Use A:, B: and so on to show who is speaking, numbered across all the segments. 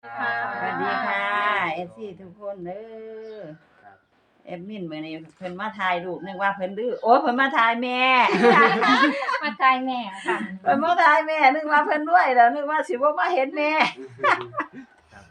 A: ค่ะ
B: สวัสดีค่ะเอฟซีทุกคนเด้อ
A: ครับ
B: แอดมินมื้อนี้เพิ่นมาถ่ายรูปนึกว่าเพิ่นดื้อโอ้เพิ่นมาถ่ายแม่
C: มาใจแม่ค่ะ
B: เพิ่นมาถ่ายแม่นึกว่าเพิ่นรวยแล้วนึกว่าสิบ่มาเห็นแม่
A: ครับ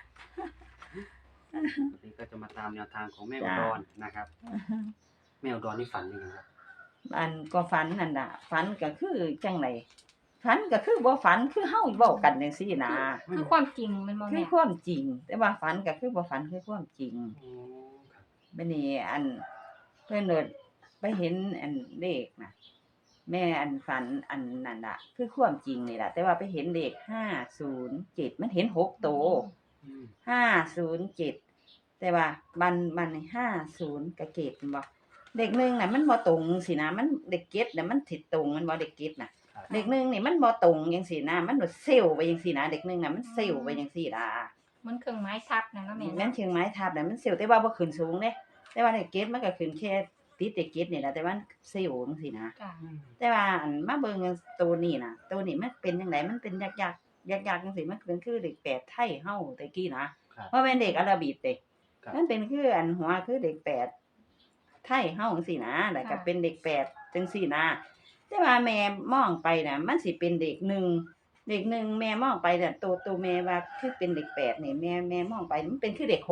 A: วันนี้ก็จะมาตามแนวทางของแม่อุ
B: จ้า
A: ดรนะครับแม่อุดรนี่ฝันยังไงครับ
B: อันก็ฝันนั่นน่ะฝันก็คือจังไดฝันก็คือบ่ฝันคือเฮาเว้ากันจังซี่นะ
C: คือความจริงมันบ่
B: คื
C: แม่
B: อความจริง แต่ว่าฝันก็คือบ่ฝันคือความจริง
A: อ๋อครับ
B: บัดนี้อันเพิ่นเอิ้นไปเห็นอันเลขน่ะ แม่อันฝันอันนั่นล่ะคือความจริงนี่ล่ะแต่ว่าไปเห็นเลข507มันเห็น6โตว
A: อืม
B: 507แต่ว่ามัน50กับเกตแม่นบ่เลข1น่ะมันบ่ตรงสินะมันเลขเจ็ดน่ะมันสิตรงแม่นบ่เลขเจ็ดน่ะ
A: ครับ
B: เลข1นี่มันบ่ตรงจังซี่นะมันแบบเซลล์ไปจังซี่นะเลข1น่ะมันเซลล์ไปจังซี่ล่ะ
C: มันเครื่องไม้ทับนะเนาะแม่
B: แม่น
C: เนาะ
B: เชียงไม้ทับน่ะมันเซลล์แต่ว่าบ่ขึ้นสูงเด้แต่ว่าเลขเจ็ดมันก็ขึ้นแค่ติดเลขเจ็ดนี่ล่ะแต่ว่ามันเซลล์จังซี่นะ
C: จ้ะ
A: อืม
B: แต่ว่าอันมาเบิ่งตัวนี้น่ะตัวนี้มันเป็นจังไดมันเป็นยักษ์ๆยักษ์ๆจังซี่มันเป็นคือเลขแปดไทยเฮาแต่กี้นะครับ บ่แม่นเลขอาราบิกเด้
A: ครับ
B: มันเป็นคืออันหัวคือเลขแปดไทยเฮาจังซี่นะแล้วก็เป็นเลขแปดจังซี่นะแต่ว่าแม่มองไปน่ะมันสิเป็นเลขหนึ่งเลขหนึ่งแม่มองไปน่ะตัวแม่ว่าคือเป็นเลขแปดนี่แม่มองไปมันเป็นคือเลข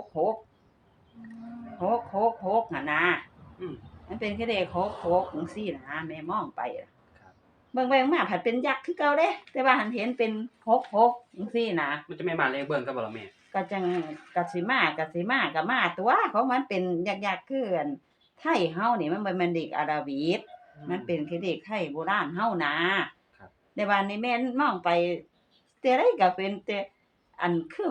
B: 6หั่นนะ
A: อืม
B: มันเป็นคือเลข6จังซี่นะแม่มองไปอะ
A: ครับ
B: เบิ่งไปเบิ่งมาผัดเป็นยักษ์คือเก่าเด้แต่ว่าหันเห็นเป็น6จังซี่นะ
A: มันจะไม่มาเลขเบิ้ลก็บ่ล่ะแม่
B: ก็จังก็สิมาก็มาตัวของมันเป็นยักษ์ๆคืออันไทยเฮานี่มันบ่แม่นเด็กอาราบิกมันเป็นคือเด็กไทยโบราณเฮานะครับ แต่ว่านี่แม่นมองไปแต่ใดก็เป็นแต่อันคือ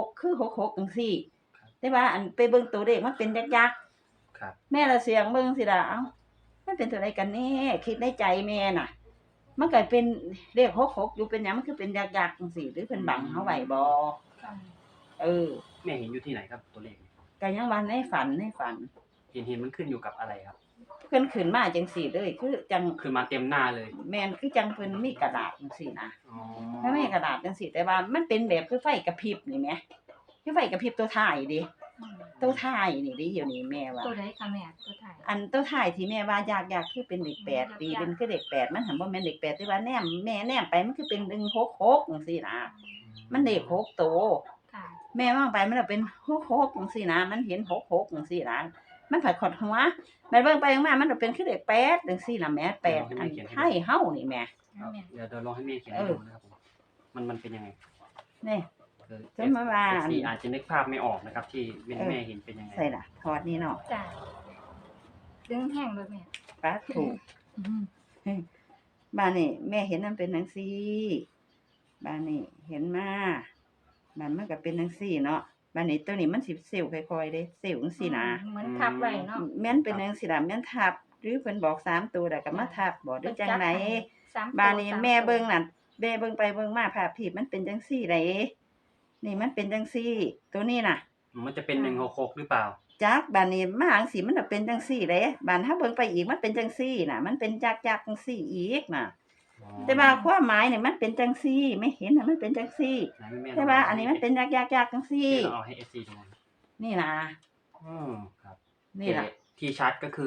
B: 66จังซี่
A: ครับ
B: แต่ว่าอันไปเบิ่งตัวเลขมันเป็นยักษ์
A: ครับ
B: ๆแม่ละเสียงเบิ่งสิล่ะเอ้ามันเป็นตัวใดกันแน่คิดในใจแม่น่ะ มันก็เป็นเลข66อยู่เป็นหยังมันคือเป็นยักษ์ๆจังซี่หรือเพิ่นบังเฮาไว้บ่
C: ค่ะ
B: เออ
A: แม่เห็นอยู่ที่ไหนครับตัวเลข
B: ก็ยังว่าในฝัน
A: เห็นมันขึ้นอยู่กับอะไรครับ
B: เพิ่นขึ้นมาจังซี่เลยคือจัง
A: คือมาเต็มหน้าเลย
B: แม่นคือจังเพิ่นมีกระดาษจังซี่นะ
A: อ๋อ
B: ถ้ามีกระดาษจังซี่แต่ว่ามันเป็นแบบคือไฟกระพริบนี่แหมคือไฟกระพริบตัวท้ายเด้
C: อืม
B: ตัวท้ายนี่เด้เดี๋ยวนี้แม่ว่า
C: ตัวใดค่ะแม่ตัวถ่าย
B: อันตัวท้ายที่แม่ว่ายากๆคือเป็นเลข8ตีเป็นคือเลข8มันหันบ่แม่นเลข8แต่ว่าแนมแม่แนมไปมันคือเป็น166จังซี่นะมันเลข6ตัว
C: ค่ะ
B: แม่มองไปมันก็เป็น66จังซี่นะมันเห็น66จังซี่นะมันผัดขดหัวแม่เบิ่งไปเบิ่งมามันก็เป็นคือเลข8จังซี่ล่ะแหม่8อันไทยเฮานี่แหม่
A: ครับ
C: แม่
A: เดี๋ยวลองให้แม่เขียนให้ดูนะครับผมมันเป็นยังไง
B: นี่
A: คือ
B: จนมาว่า
A: FC อาจจะนึกภาพไม่ออกนะครับ ที่แม่เห็นเป็นยังไง
B: ใส่ล่ะถอดนี่เนาะ
C: จ้ะดึงแห้งเลยแม่
B: ปลาถูก บ้านนี่แม่เห็นมันเป็นจังซี่บ้านนี่เห็นมาบ้านมันก็เป็นจังซี่เนาะบ้านนี้ตัวนี้มันสิเซลล์ค่อยๆเด้เซลล์จังซี่นะ
C: เหมือนทับไว้เนาะ
B: แม่นเป็นจังซี่ล่ะแม่นทับ หรือเพิ่นบอก3ตัวแล้วก็มาทับบ่หรือจังได
C: สามตัว
B: บ้านนี้
C: ส
B: แม่
C: ตัว
B: เบิ่งน่ะแม่เบิ่งไปเบิ่งมาภาพที่มันเป็นจังซี่ไดนี่มันเป็นจังซี่ ตัวนี้น่ะ
A: มันจะเป็น166หรือเปล่า
B: จักบ้านนี้มาจังซี่มันน่ะเป็นจังซี่เด้บ้านถ้าเบิ่งไปอีกมันเป็นจังซี่น่ะ มันเป็นจักๆจังซี่อีกน่ะ แต่ว่าความหมายนี่มันเป็นจังซี่ไม่เห็นน่ะมันเป็นจังซี่
A: ไหนแม่
B: แต่ว่าอันนี้มันเป็นยักษ์ๆๆจังซี่
A: แม่ลองเอาให้ FC ดูนะ
B: นี่นะ
A: ครับ
B: นี่ล่ะ
A: ที่ชัดก็คือ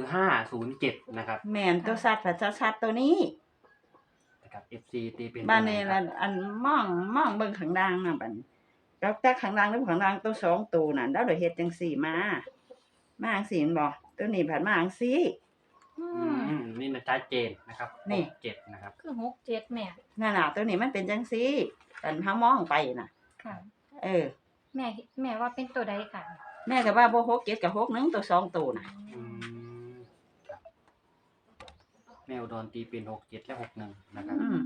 A: 507นะครับ
B: แม่นตัวสัตว์ผัดชัดๆตัวนี้
A: นะครับ FC ตีเป็น
B: บ้านนี้
A: ตัวไห
B: ล่ะอันมองเบิ่งข้างล่างน่ะบัดแล้วแต่ข้างล่างหรือข้างล่างตัวสองตัวน่ะแล้วได้เฮ็ดจังซี่มาจังซี่แม่นบ่ตัวนี้ผัดมาจังซี่
C: อื
A: อื
C: ม
A: นี่นะชัดเจนนะครับ
B: นี่
A: 67นะครับ
C: คือ67แม่
B: นั่นน่ะตัวนี้มันเป็นจังซี่อันเฮามองไปน่ะ
C: ค่ะ
B: เออ
C: แม่ว่าเป็นตัวใดค่ะ
B: แม่ก็ว่าบ่6 7ก็6นึงตัวสองตัวน่ะ
A: อืมครับแมวดอนตีเป็น67และ61นะครับ
B: อืม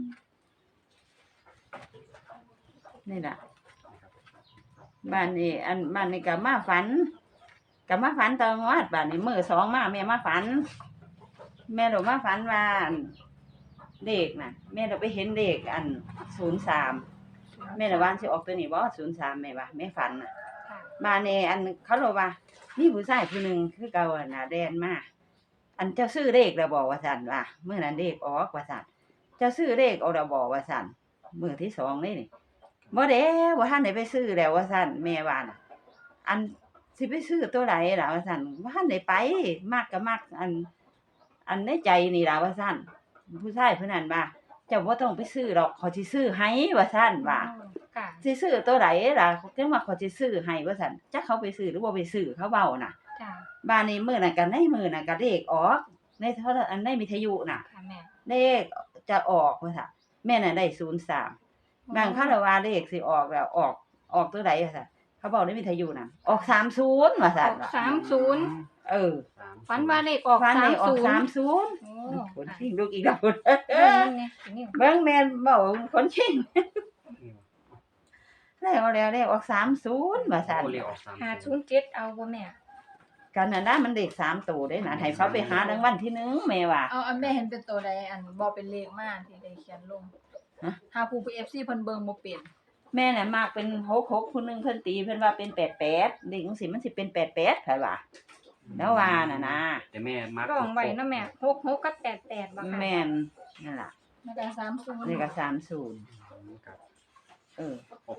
B: นี่ล่ะ บ้านนี้บ้านนี้ก็มาฝันตอนวัดบ้านนี้มื้อสองมาแม่มาฝัน แม่เรามาฝันว่าอันเลขน่ะ แม่เราไปเห็นเลขอัน03แม่เราว่าสิออกตัวนี้บ่03แม่ว่าแม่ฝันน่ะ
C: ค่ะ
B: บ้านนี้อันเขาบอกว่ามีผู้ชายผู้หนึงคือเก่าอะหน้าแดนมาอันเจ้าซื้อเลขแล้วบ่ว่าซั่นว่ามื้อนั้นเลขออกว่าซั่นเจ้าซื้อเลขเอาแล้วบ่ว่าซั่นมื้อที่สองเลยนี่บ่เด้บ่ทันได้ไปซื้อแล้วว่าซั่นแม่ว่าน่ะอันสิไปซื้อตัวใดล่ะว่าซั่นบ่ทันได้ไปมักก็มักอันในใจนี่ล่ะว่าซั่นผู้ชายผู้นั้นว่าเจ้าบ่ต้องไปซื้อหรอกเขาสิซื้อให้ว่าซั่นว่า
C: อ๋อค่ะ
B: สิซื้อตัวใดล่ะจังว่าเขาสิซื้อให้ว่าซั่นจักเขาไปซื้อหรือบ่ไปซื้อเขาเว้าน่ะ
C: จ้ะ
B: บ้านนี้มื้อนั้นก็ในมื้อนั้นก็เลขออกในโทรอันในวิทยุน่ะ
C: ค่ะแม่
B: เลขจะออกว่าซั่นแม่น่ะได้03บางครั้งว่าเลขสิออกแล้วออกตัวใดว่าซั่นเขาบอกในวิทยุน่ะออก30ว่าซั่น
C: ออก30
B: เออ
C: ฝันว่าเลขออก
B: ฟันเลขออก
C: 30
B: 30
C: โอ้
B: คน
C: ค่ะ
B: ชิงลูกอีกแล้ว
C: เบิ่งนี่นี่
B: เบิ่งแม่นเว้าคนชิง
A: อืม
B: แล้วเลขออก30ว่าซั่น
A: โอ้เรียกออก3
C: 507เอาบ่แม่
B: กันนั่นน่ะมันเลข3ตัวเด้น่ะให้เขาไปหารางวัลที่1แม่ว่า
D: เอาอันแม่เห็นเป็นตัวใดอันบ่เป็นเลขมาที่ได้เขียนลง
B: ฮะ
D: หาผู้ FC เพิ่นเบิ่งบ่เป็น
B: แม่น่ะมากเป็น66ผู้หนึงเพิ่นตีเพิ่นว่าเป็น88เด็กจังซี่มันสิเป็น88ไผว่าแล้วว่าน่ะนะ
A: แต่แม่มัก
C: ร้องไว้เนาะแม่66กับ88บ่ค่ะ
B: แม่นนั่นล่ะ
D: แล้วก็30
B: นี่ก็
A: ครับ
B: 30เออ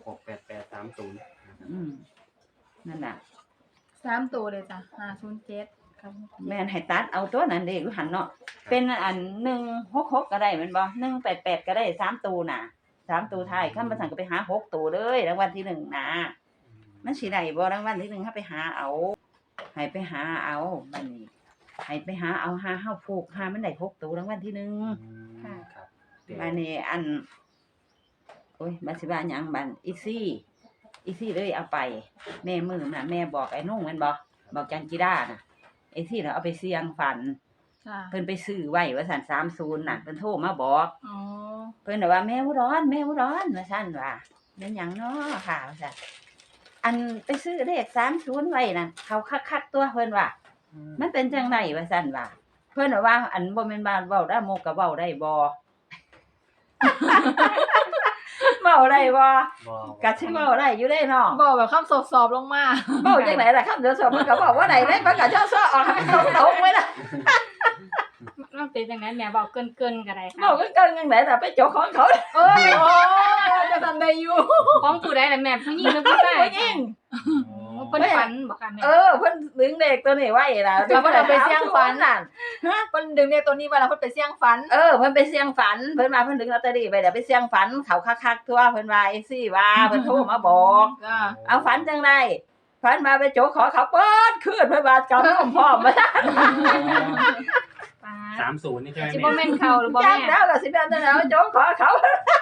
A: 668830
B: อืมนั่นน่ะ
D: 3ตัวเลยจ้ะ507ครับ
B: แม่นให้ตัดเอาตัวนั้นเด้อยู่หั่นเนาะเป็นอัน166ก็ได้แม่นบ่188ก็ได้3ตัวน่ะ3ตัวท้ายคันบ่ซั่นก็ไปหา6ตัวเลยรางวัลที่1น่ะมันสิได้บ่รางวัลที่1เฮาไปหาเอาให้ไปหาเอาบัดนี้ให้ไปหาเอาหาเฮาผูกหามันได้6ตัวรางวัลที่1
A: ครับ
B: บัดนี้อันโอ้ยบัดสิว่าหยังบัดอีซี่เลยเอาไปแม่มื้อน่ะแม่บอกไอ้นุ่งแม่นบ่บอกจันจิราน่ะไอ้ซี่น่ะเอาไปเสี่ยงฝัน
D: ค่ะ
B: เพิ่นไปซื้อไว้ว่าซั่น30น่ะเพิ่นโทรมาบอก
D: อ๋อ
B: เพิ่นน่ะว่าแม่อุดรว่าซั่นว่าแม่นหยังเนาะค่ะว่าซั่นอันไปซื้อเลข30ไว้น่ะเขาคักๆตัวเพิ่นว่ามันเป็นจังไดว่าซั่นว่าเพิ่นว่าอันบ่แม่นบ้านเว้าได้โมก็เว้าได้บ่ เว้าได้บ่
A: บ่
B: ก็สิเว้าได้อยู่เด้เนาะ
D: บอกแบบคำสอบๆลงมา
B: เว้าจังไดล่ะคำเดียวสอบมันก็บอกว่าได้เลยมันก็เจ้าซ้อออกให้มันตรงๆไว้ล่ะ
C: มันเป็นจังได๋แม่บอกเกินๆก็ได้ค่ะ
B: เว้าเกินๆจังไดล่ะไปโจกของเขา
D: เอ้ยโอ้จะทำได้อยู่
C: ของผู้ใดล่ะแม่ผู้หญิงหรือผู้ชาย
B: ผู้หญิง
C: เพิ่นฝันบ่ค่ะแม่
B: เพิ่นดึงเด็กตัวนี้ไว้ล่ะ
D: แล้วเพิ่นเอาไปเสี่ยงฝัน
B: นั่น
D: เพิ่นดึงเลขตัวนี้ไว้แล้วเพิ่นไปเสี่ยงฝัน
B: เพิ่นไปเสี่ยงฝันเพิ่นว่าเพิ่นดึงลอตเตอรี่ไปเดี๋ยวไปเสี่ยงฝันเขาคักๆทั่วเพิ่นว่าจังซี่ว่าเพิ่นโทรมาบอก
D: จ้า
B: เอาฝันจังไดฝันมาไปโจกขอเขาเปิดคืนเพิ่นว่ากำลังพร้อมมา
C: ปา
A: 30นี่ใช่ไหม
C: สิ
A: แม่
C: บ่แม่นเขาหรือบ่
B: จั
C: แม่
B: กแล้วก็สิเป็นจังได๋โจกขอเขา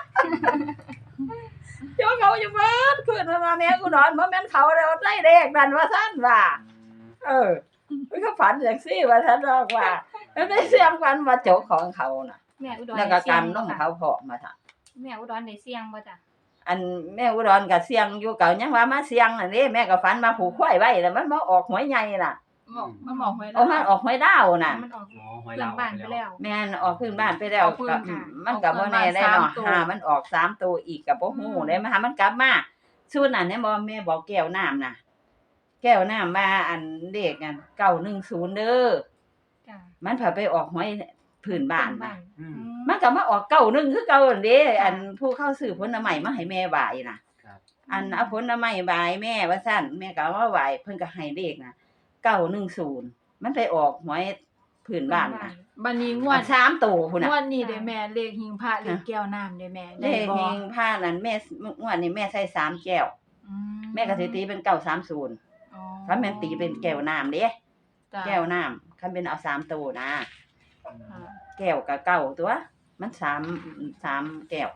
B: โจกเขาอยู่เบิดคืนเพิ่นว่าแม่กูนอนบ่แม่นเขาแล้วได้เลขนั่นว่าซั่นว่าเพิ่นก็ฝันจังซี่ว่าซั่นดอกว่าแล้วได้เสี่ยงฝันว่าโจกของเขาน่ะ
C: แม่อุดร
B: แล้ว
C: ได้
B: ก็
C: เสี่ยง
B: กำน
C: บ่
B: ม
C: ค่ะ
B: เขาพร้อมมาซั่น
C: แม่อุดรได้เสี่ยงบ่จ้ะ
B: อันแม่อุดรก็เสียงอยู่เก่ายังว่ามาเสียงอันนี้แม่ก็ฝันมาผูกควายไว้แล้วมันบ่ออกหวยใหญ่น่ะ
D: บอกมันบอกไว้
B: โอ้มันออกหวยดาวน่ะ
C: มันออก
A: อ๋อหอย
C: เพื่อ
A: ลาน ว
C: บ้านไปแล้ว
B: แม่นออกพื้นบ้านไปแล้วก็มันก็บ่แน่ได้เนาะหามันออก3ตัวอีกก็บ่ฮู้ได้มาหามันกลับมาชุดนั้นเนี่ยบ่แม่บอกแก้วน้ำน่ะ แก้วน้ำว่าอันเลขอัน910เด้อ
C: จ้ะ
B: มันพาไปออกหวยพื้นบ้านน่ะ
A: อืม
B: มันก็มาออก91คือเก่านั่นเด้อันผู้เข้าซื้อผลไม้มาให้แม่ไหว้น่ะ
A: ครับ
B: อันเอาผลไม้บายแม่ว่าซั่นแม่ก็เอามาไหว้เพิ่นก็ให้เลขนะ910มันไปออกหวยพื้นบ้านน่ะ
D: บัดนี้ง
B: ง
D: ว
B: ว
D: ด
B: ด3ตัวพุ่นน่ะ
D: งวดนี้เด้แม่เลขหิงพระเลขแก้วน้ำเด้แม่
B: เล
D: ได้
B: ข
D: บ่
B: เฮงผ้านั้นแม่งวดนี้แม่ใส่3แก้ว
D: อื
B: แม่ก็สิตีเป็น930
D: อ๋อ
B: คันแม่นตีเป็นแก้วน้ำเด้
D: จ้ะ
B: แก้วน้ำคันเป็นเอา3ตัวนะ
D: ค่ะ
B: แก้วก็เก้าตัวมัน3แก้ว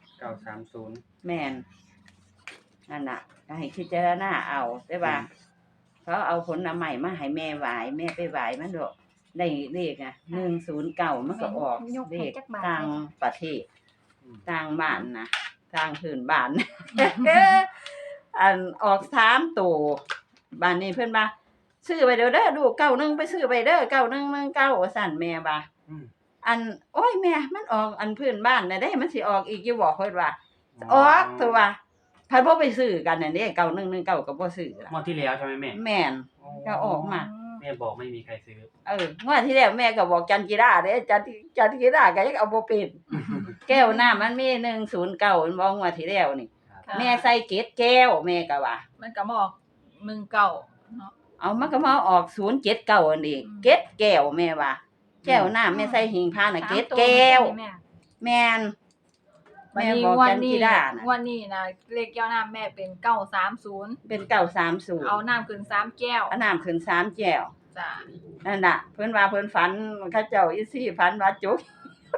A: 930
B: แม่นนั่นน่ะก็ให้พิจารณาเอาได้ว่าเขาเอาผลไม้มาให้แม่ไหว้แม่ไปไหว้มันดอกได้เลขอ่ะ109มันก็ออกเลขต่างประเทศต่างบ้านนะต่างพื้นบ้าน อันออก3ตัวบ้านนี้เพิ่นว่าซื้อไปเด้อลูก91ไปซื้อไปเด้อ9119ว่าซั่นแม่ว่า
A: อืม
B: อันโอ้ยแม่มันออกอันพื้นบ้านน่ะเด้มันสิออกอีกอยู่บ่เพิ่นว่าออกตัวว่าเพิ่นบ่ไปซื้อกันนั่นเด้9119ก็บ่ซื้อล่ะ
A: งวดที่แล้วใช่ไหมแม่
B: แม่น ก็ออกมา
A: แม่บอกไม่มีใครซื้อ
B: งวดที่แล้วแม่ก็บอกจันจิราเด้จันจิราก็ยังเอาบ่เป็นแก้วน้ำมันมี109มันบ่งวดที่แล้วนี่แม่ใส่เกศแก้วแม่ก็ว่า
D: มันก็มาออก19เนาะ
B: เอามันก็มาออก079อันนี้เกศแก้วแม่ว่า แก้วน้ำแม่ใส่หิงพาน่ะเกศแก้ว
C: แม่
B: แม่น
D: วัน
B: แม่
D: นี้
B: บอก
D: วัน
B: จัน
D: นี้
B: ทิดาน่ะ
D: วันนี้นะเลขแก้วน้ำแม่เป็น930
B: เป็น930
D: เอาน้ำขึ้น3แก้ว
B: เอาน้ำขึ้น3แก้ว
D: จ้ะ
B: นั่นน่ะเพิ่นว่าเพิ่นฝันเขาเจ้าอีซี่ฝันว่าจุก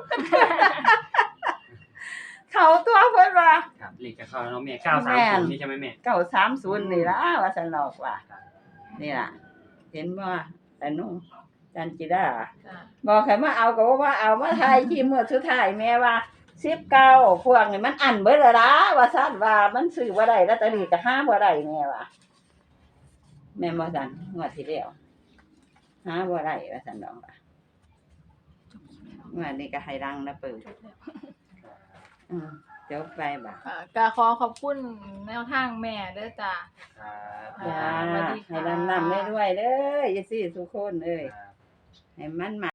B: เขาตัวเพิ่นว่า
A: ครับเลขจะเข้าแล้วเนาะแม่
B: แม่น
A: 930นี่ใช่ไหมแม่
B: 930นี่ล่ะว่าซั่นดอกว่านี่ล่ะ เห็นบ่แต่นุ่งจันจิดา
D: จ้ะ
B: บอกให้มาเอาก็ว่าเอามาทายที่มื้อสุดท้ายแม่ว่า19พวกนี่มันอันเบิดแล้วล่ะว่าซั่นว่ามันซื้อบ่ได้ลอตเตอรี่ก็หาบ่ได้แม่ว่าแม่นบ่ซั่นงวดที่แล้วหาบ่ได้ว่าซั่นดอกว่า วันนี้ก็ให้รังนะเปิดเดี๋ยวไปบ่ะ
D: ก็ขอขอบคุณแนวทางแม่เด้อจ้ะ
A: ครับ
B: จ้า
D: สวัสดีค่ะ
B: ให้รำได้ด้วยเด้ออย่าสิทุกคนเอ้ย
A: ครับ
B: ให้มันมา